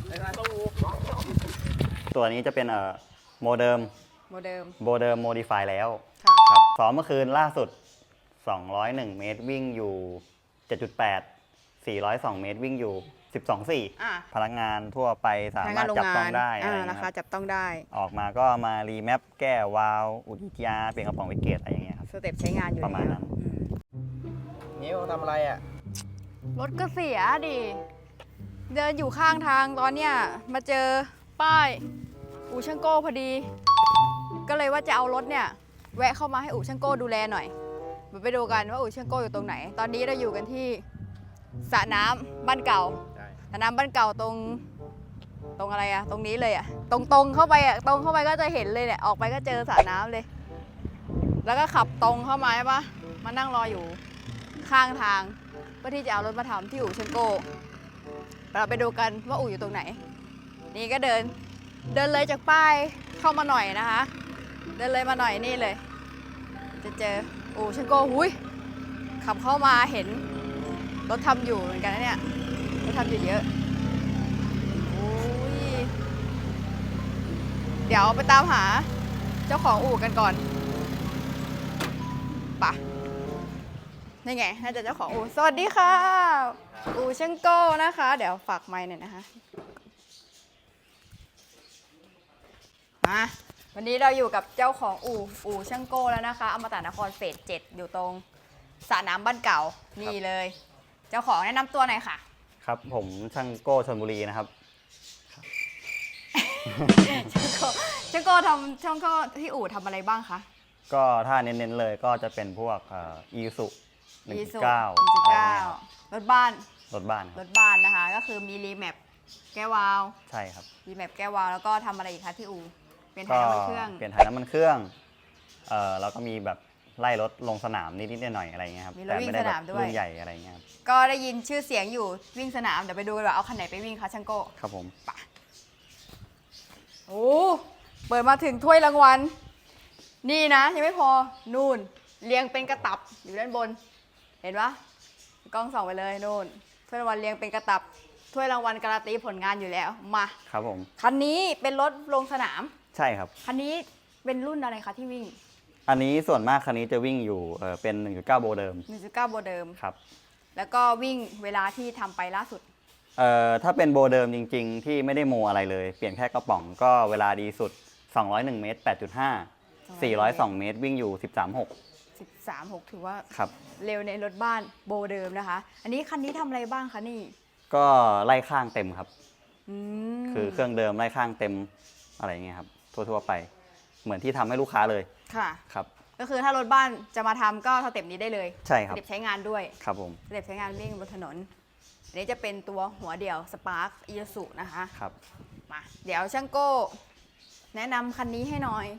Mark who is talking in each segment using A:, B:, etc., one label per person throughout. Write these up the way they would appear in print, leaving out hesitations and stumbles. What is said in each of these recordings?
A: ตัวนี้จะเป็นโมเดิมโมเดิมโมดิฟายแล้วครับซ้อมเมื่อคืนล่าสุด201เมตรวิ่งอยู่ 7.8 402เมตรวิ่งอยู่ 12.4 พนักงานทั่วไปสามารถจับต้องได้
B: นะคะจับต้องได้
A: ออกมาก็มารีแมปแก้วาล์วอุดยาเปลี่ยนกระป๋องวิกเกตอะไรอย่างเงี้ยครับ
B: สเต็ปใช้งานอยู่
A: ประมาณนั้น
C: นิ้วทำอะไรอ่ะ
B: รถก็เสียดิเดินอยู่ข้างทางตอนเนี้ยมาเจอป้ายอู่ช่างโก้พอดีก็เลยว่าจะเอารถเนี่ยแวะเข้ามาให้อู่ช่างโก้ดูแลหน่อยไปดูกันว่าอู่ช่างโก้อยู่ตรงไหนตอนนี้เราอยู่กันที่สระน้ำบ้านเก่าสระน้ำบ้านเก่าตรงอะไรอะตรงนี้เลยอะตรงเข้าไปอะตรงเข้าไปก็จะเห็นเลยเนี่ยออกไปก็เจอสระน้ำเลยแล้วก็ขับตรงเข้ามาใช่ปะมานั่งรออยู่ข้างทางเพื่อที่จะเอารถมาทำที่อู่ช่างโก้เราไปดูกันว่าอู่อยู่ตรงไหนนี่ก็เดินเลยจากป้ายเข้ามาหน่อยนะคะเดินเลยมาหน่อยนี่เลยจะเจออู่ช่างโก้หุยขับเข้ามาเห็นรถทำอยู่เหมือนกันนะเนี่ยรถทำอยู่เยอะอุ้ยเดี๋ยวไปตามหาเจ้าของอู่กันก่อนป่ะนี่ไงน่าจะเจ้าของอู่สวัสดีค่ะอู่ช่างโก้นะคะเดี๋ยวฝากไมค์หน่อยนะคะมาวันนี้เราอยู่กับเจ้าของอู่ช่างโก้แล้วนะคะอมตะนครเฟส 7อยู่ตรงสระน้ำบ้านเก่านี่เลยเจ้าของแนะนำตัวหน่อยค่ะ
A: ครับผมช่างโก้ชลบุรีนะครับ
B: ช่างโก้ที่อู่ทำอะไรบ้างคะ
A: ก็ถ้าเน้นๆเลยก็จะเป็นพวกอีซู
B: 1.9 รถบ้านนะคะก็คือมีรีแมปแก้ววาล์ว
A: ใช่ครับ
B: รีแมปแก้ววาล์วแล้วก็ทำอะไรอีกคะที่อู่เปลี่ยนถ่ายน้ำมันเครื่อง
A: แล้วก็มีแบบไล่รถลงสนามนิดๆหน่อยๆอะไรเงี้ยครับ
B: แต่ไม่ได้แบบ
A: รุ่นใหญ่อะไรเงี้ยครับ
B: ก็ได้ยินชื่อเสียงอยู่วิ่งสนามเดี๋ยวไปดูว่าเอาคันไหนไปวิ่งคะช่างโก้
A: ครับผม
B: ปะโอ้เปิดมาถึงถ้วยรางวัลนี่นะยังไม่พอนู่นเรียงเป็นกระตับอยู่ด้านบนเห็นปะกล้องส่องไปเลยนู่นถ้วยรางวัลเรียงเป็นกระตับถ้วยรางวัลการันตีผลงานอยู่แล้วมา
A: ครับผม
B: คันนี้เป็นรถลงสนาม
A: ใช่ครับ
B: คันนี้เป็นรุ่นอะไรคะที่วิ่ง
A: อันนี้ส่วนมากคันนี้จะวิ่งอยู่เป็น 1.9 โบเดิม
B: 1.9 โบเดิม
A: ครับ
B: แล้วก็วิ่งเวลาที่ทำไปล่าสุด
A: ถ้าเป็นโบเดิมจริงๆที่ไม่ได้โมอะไรเลยเปลี่ยนแค่กระป๋องก็เวลาดีสุด201เมตร 8.5 402เมตรวิ่งอยู่ 13.6
B: ถือว่าเร็วในรถบ้านโบเดิมนะคะอันนี้คันนี้ทำอะไรบ้างคะนี่
A: ก็ไล่ข้างเต็มครับคือเครื่องเดิมไล่ข้างเต็มอะไรเงี้ยครับทั่วๆไปเหมือนที่ทำให้ลูกค้าเลย
B: ค่ะ
A: ครับ
B: ก็คือถ้ารถบ้านจะมาทำก็สเต็ปนี้ได้เลย
A: ใช่ครับ
B: สเต็ปใช้งานด้วย
A: ครับผม
B: สเต็ปใช้งานวิ่งบนถนนอันนี้จะเป็นตัวหัวเดี่ยวสปาร์คอีซูนะคะ
A: ครับ
B: มาเดี๋ยวช่างโก้แนะนำคันนี้ให้หน่อย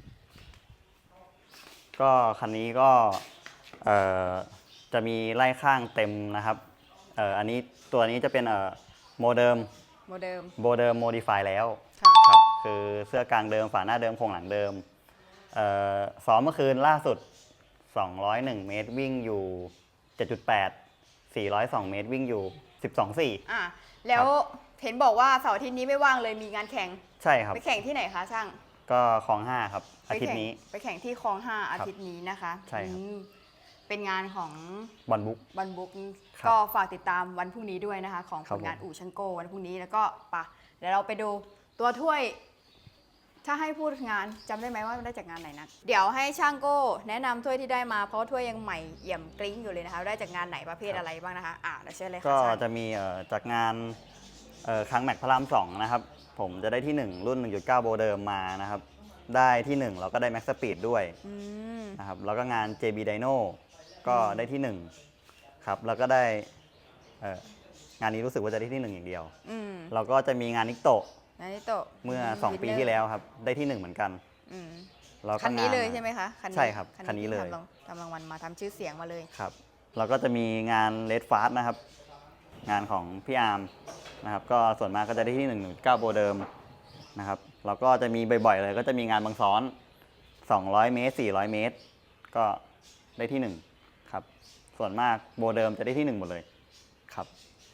A: ก็คันนี้ก็จะมีไล่ข้างเต็มนะครับอันนี้ตัวนี้จะเป็นโมเดิมโมดิฟายแล้วครับคือเสื้อกลางเดิมฝาหน้าเดิมโครงหลังเดิมซ้อมเมื่อคืนล่าสุด201เมตรวิ่งอยู่ 7.8 402เมตรวิ่งอยู่ 12.4
B: แล้วเห็นบอกว่าเสาร์อาทิตย์นี้ไม่ว่างเลยมีงานแข่ง
A: ใช่ครับ
B: ไปแข่งที่ไหนคะช่าง
A: ก็คลอง5ครับอาทิตย์นี้
B: ไปแข่งที่คลอง5อาทิตย์นี้นะคะ
A: ใช่ครับ
B: เป็นงานของ
A: บอลบุ๊ก
B: ก็ฝากติดตามวันพรุ่งนี้ด้วยนะคะของผลงานอู่ช่างโก้วันพรุ่งนี้แล้วก็ปะเดี๋ยวเราไปดูตัวถ้วยถ้าให้พูดงานจำได้ไหมว่าได้จากงานไหนนะเดี๋ยวให้ช่างโก้แนะนำถ้วยที่ได้มาเพราะถ้วยยังใหม่เอี่ยมกริ้งอยู่เลยนะคะได้จากงานไหนประเภทอะไรบ้างนะคะเดี๋ยวเชิญเลยค่ะ
A: ก็จะมีจากงานครั้งแม็กพระราม2นะครับผมจะได้ที่1รุ่น 1.9 โบเดิมมานะครับได้ที่1เราก็ได้แม็กซ์สปีดด้วยนะครับแล้วก็งาน JB Dyno ก็ได้ที่1ครับแล้วก็ได้งานนี้รู้สึกว่าจะได้ที่1อย่างเดียวเราก็จะมีงานนิโตะเมื่อ2ปีที่แล้วครับได้ที่1เหมือนกัน
B: คันนี้เลยใช่ไหมคะ
A: ใช่ครับคันนี้เลย
B: ทำรางวัลมาทำชื่อเสียงมาเลย
A: ครับเราก็จะมีงานเลดฟาสนะครับงานของพี่อาร์มนะครับก็ส่วนมากก็จะได้ที่1.9 โบเดิมนะครับเราก็จะมีบ่อยๆเลยก็จะมีงานบางซ้อน200เมตร400เมตรก็ได้ที่1ครับส่วนมากโบเดิมจะได้ที่1หมดเลยครับ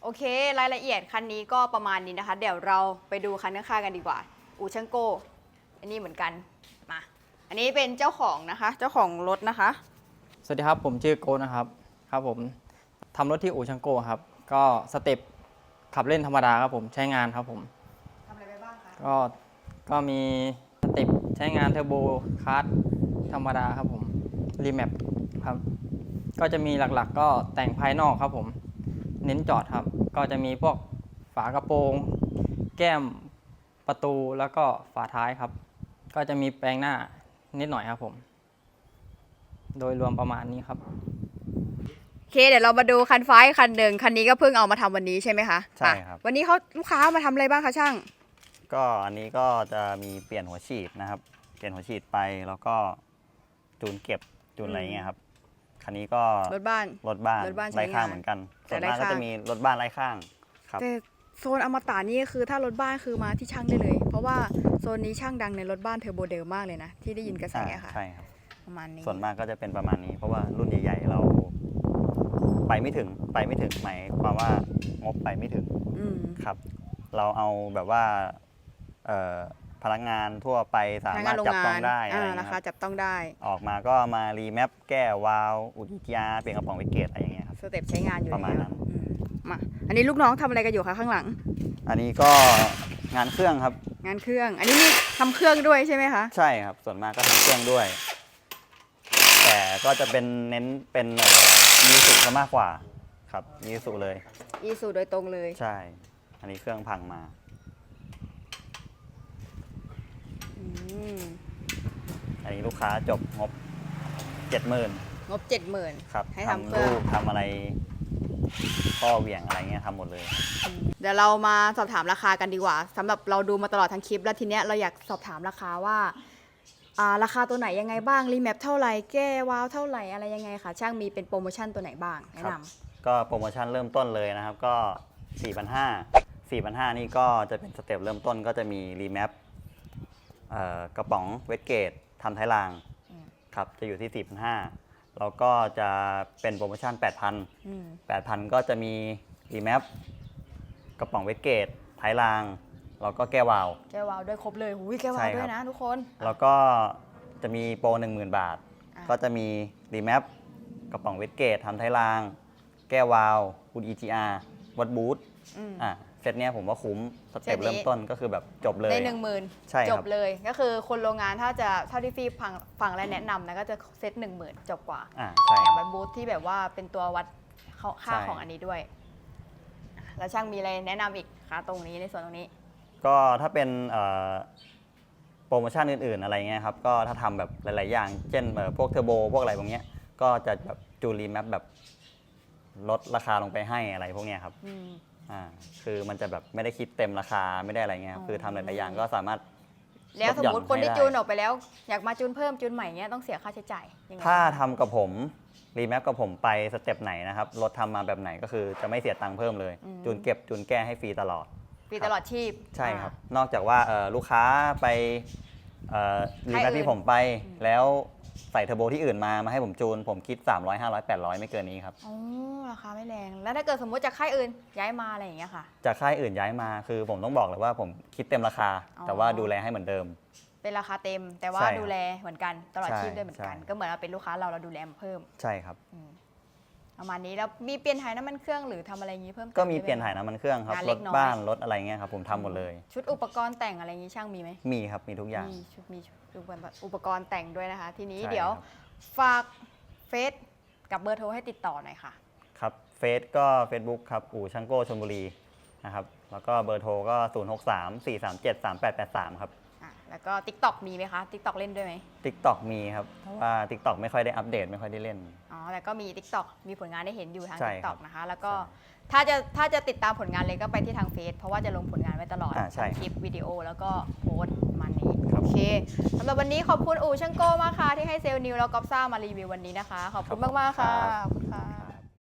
B: โอเค รายละเอียดคันนี้ก็ประมาณนี้นะคะ เดี๋ยวเราไปดูคันข้างๆกันดีกว่า อูช่างโก้ อันนี้เหมือนกัน มา อันนี้เป็นเจ้าของนะคะ เจ้าของรถนะคะ
D: สวัสดีครับผมชื่อโกนะครับครับผมทำรถที่อู่ช่างโก้ครับก็สเต็ปขับเล่นธรรมดาครับผมใช้งานครับผม
B: ทำอะไรไปบ้างคะ
D: ก็มีสเต็ปใช้งานเทอร์โบคาร์ดธรรมดาครับผมรีแมปครับก็จะมีหลักๆก็แต่งภายนอกครับผมเน้นจอดครับก็จะมีพวกฝากระโปรงแก้มประตูแล้วก็ฝาท้ายครับก็จะมีแปลงหน้านิดหน่อยครับผมโดยรวมประมาณนี้ครับ
B: โอเค เดี๋ยวเรามาดูคันฟ้าอีกคันหนึ่งคันนี้ก็เพิ่งเอามาทำวันนี้ใช่ไหมคะ
A: ใช่ครับ
B: วันนี้เขาลูกค้ามาทำอะไรบ้างคะช่าง
A: ก็อันนี้ก็จะมีเปลี่ยนหัวฉีดนะครับ เปลี่ยนหัวฉีดไปแล้วก็จูนเก็บจูนอะไรเงี้ยครับคันนี้ก็
B: รถบ้าน
A: รถบ้าน
B: รถบ้านใช้
A: ไร้ข้าง
B: งาน
A: เหมือนกัน
B: แต่
A: ส่วน
B: ไร้
A: มากก็
B: ข้าง
A: จะมีรถบ้านไร้ข้างครับ
B: แต่โซนอมตะนี่คือถ้ารถบ้านคือมาที่ช่างได้เลย เพราะว่าโซนนี้ช่างดังในรถบ้านเทอร์โบเดลมากเลยนะ ที่ได้ยินกระแสอะค่ะ
A: ใช่ครับ
B: ประมาณนี้
A: ส่วนมากก็จะเป็นประมาณนี้ เพราะว่ารุ่นใหญ่ๆเราไปไม่ถึงหมายความว่างบไปไม่ถึง
B: อืม
A: ครับ เราเอาแบบว่าพนักงานทั่วไปสา
B: พนัก
A: มารถ
B: งานโรง
A: จับต้อง
B: งาน
A: ได้อะไร
B: รา
A: เงี้ย
B: คา
A: ครับ
B: จับต้องได้
A: ออกมาก็มารีแมปแก้วาล์วอุดอีกียร์เปลี่ยนกระป๋องไวเกตอะไรอย่างเงี้ยครับ
B: สเต็ปใช้งานอยู่
A: ประมาณ
B: แล้ว
A: นั้น
B: อืมมา อันนี้ลูกน้องทำอะไรกันอยู่คะข้างหลัง
A: อันนี้ก็งานเครื่องครับ
B: งานเครื่อง อันนี้มีทำเครื่องด้วยใช่ไหมคะ
A: ใช่ครับ ส่วนมากก็ทำเครื่องด้วย แต่ก็จะเป็นเน้นเป็นมีสุซะมากกว่าครับมีสุเลย
B: อีสูโดยตรงเลย
A: ใช่ อันนี้เครื่องพังมา
B: อืม
A: อันนี้ลูกค้าจบงบ 70,000
B: งบ 70,000
A: ครับ
B: ให้ทำเครื่อง
A: รูปทำอะไรข้อเหวี่ยงอะไรเงี้ยทำหมดเลย
B: เดี๋ยวเรามาสอบถามราคากันดีกว่าสำหรับเราดูมาตลอดทั้งคลิป แล้วทีเนี้ยเราอยากสอบถามราคาว่าราคาตัวไหนยังไงบ้างรีแมปเท่าไหร่แก้วาล์วเท่าไหร่อะไรยังไงคะช่างมีเป็นโปรโมชั่นตัวไหนบ้างแนะนำ
A: ก็โปรโมชั่นเริ่มต้นเลยนะครับก็ 4,500 นี่ก็จะเป็นสเต็ปเริ่มต้นก็จะมีรีแมปกระป๋องเวทเกตทำท้ายราง
B: อืม
A: ครับจะอยู่ที่ 4,500 แล้วก็จะเป็นโปรโมชั่น 8,000
B: อืม
A: 8,000 ก็จะมีรีแมปกระป๋องเวทเกตท้ายราง แล้วก็แก้ววาล์ว
B: แก้ววาล์วด้วยครบเลยหูยแก้ววาล์ว
A: ใช่ครับ
B: ด้วยนะทุกคน
A: แล้วก็จะมีโปร 10,000 บาท
B: อ่ะ
A: ก็จะมีรีแมปกระป๋องเวทเกตทำท้ายราง แก้ววาล์วอุด EGR วัดบูท
B: อืม
A: เซตเนี้ยผมว่าคุ้มสเต็ป
B: เซตนี้
A: เริ่มต้นก็คือแบบจบเลย
B: ได้10,000
A: ใช่ครับ
B: จบเลยก็คือคนโรงงานถ้าจะเท่าที่ฟีฟังและแนะนำนะก็จะเซต10,000 จบกว่า
A: ใช่
B: แถ
A: ค
B: ม
A: รับ
B: เป็นบูธที่แบบว่าเป็นตัววัดค่า
A: ใช่
B: ของอันนี้ด้วยแล้วช่างมีอะไรแนะนำอีกคะตรงนี้ในส่วนตรงนี้
A: ก็ถ้าเป็นโปรโมชั่นอื่นๆอะไรเงี้ยครับก็ถ้าทำแบบหลายๆอย่าง เช่นพวกเทอร์โบพวกอะไรพวกเนี้ยก็จะแบบจูนรีแมปแบบลดราคาลงไปให้อะไรพวกเนี้ยครับ
B: อืม
A: คือมันจะแบบไม่ได้คิดเต็มราคาไม่ได้อะไรเงี้ยครับคือทำหลายๆอย่างก็สามารถ
B: แล้วสมมติ
A: ลดหย่อน
B: คนที่
A: ให้ได้
B: จูนออกไปแล้ว อยากมาจูนเพิ่มจูนใหม่เงี้ยต้องเสียค่าใช้จ่ายยังไง
A: ถ้าทำกับผมรีแมปกับผมไปสเต็ปไหนนะครับรถทำมาแบบไหนก็คือจะไม่เสียตังค์เพิ่มเลย จูนเก็บจูนแก้ให้ฟรีตลอด
B: ฟรีตลอดชีพ
A: ใช่ครับ
B: อ่าน
A: อกจากว่าลูกค้าไปรีแมปที่ผมไป แล้วใส่เทอร์โบที่อื่นมาให้ผมจูน ผมคิด 300 500 800 ไม่เกินนี้ครับ
B: อ๋อราคาไม่แรง แล้วถ้าเกิดสมมติจากค่ายอื่นย้ายมาอะไรอย่างเงี้ยค่ะ
A: จากค่ายอื่นย้ายมาคือผมต้องบอกเลยว่าผมคิดเต็มราคา
B: อ๋อ
A: แต่ว่าดูแลให้เหมือนเดิม
B: เป็นราคาเต็ม แต่ว่า
A: ใช่ครับ
B: ดูแลเหมือนกันตลอด
A: ใช่
B: ชีพด้วยเหมือนกัน
A: ใช่
B: ก็เหมือนเราเป็นลูกค้าเราดูแลมาเพิ่ม
A: ใช่ครับ
B: ประมาณนี้แล้วมีเปลี่ยนถ่ายน้ำมันเครื่องหรือทำอะไรอย่างงี้เพิ่มติ
A: ก็มี
B: ได้ไห
A: เปลี่ยนถ่ายน้ำมันเครื่องครับ
B: งาน
A: ร
B: เล็
A: ถ
B: กน้อย
A: บ้านรถอะไรเงี้ยครับผมทำหมดเลย
B: ชุดอุปกรณ์แต่งอะไรอย่างงี้ช่างมีไหม
A: มีครับมีทุกอย่าง
B: มีอุปกรณ์แต่งด้วยนะคะ ทีนี้
A: ใช่
B: เดี๋ยว
A: ครับ
B: ฝากเฟซกับเบอร์โทรให้ติดต่อหน่อยค่ะ
A: ครับเฟซก็ Facebook ครับอู่ช่างโก้ชลบุรีนะครับแล้วก็เบอร์โทรก็ 063 437 3883 ครับ
B: แล้วก็ TikTok มีไหมคะ TikTok เล่นด้วยไหม
A: TikTok มีครับแต่ว่า TikTok ไม่ค่อยได้อัปเดตไม่ค่อยได้เล่น
B: อ๋อแต่ก็มี TikTok มีผลงานได้เห็นอยู่ทาง
A: ใช่ครับ
B: TikTok นะคะ แล้วก็
A: ใช่
B: ถ้าจะติดตามผลงานเลยก็ไปที่ทางเฟซเพราะว่าจะลงผลงานไว้ตลอด
A: ใช่
B: ทั้งคลิปวิดีโอแล้วก็โพสต์ประมาณนี้
A: ครับ
B: โอเคสำหรับวันนี้ขอบคุณอู่ช่างโก้มากค่ะที่ให้เซลล์นิวแล้วก็ซ่ามารีวิววันนี้นะคะ ขอบคุณมากๆค่ะขอบคุณค่ะ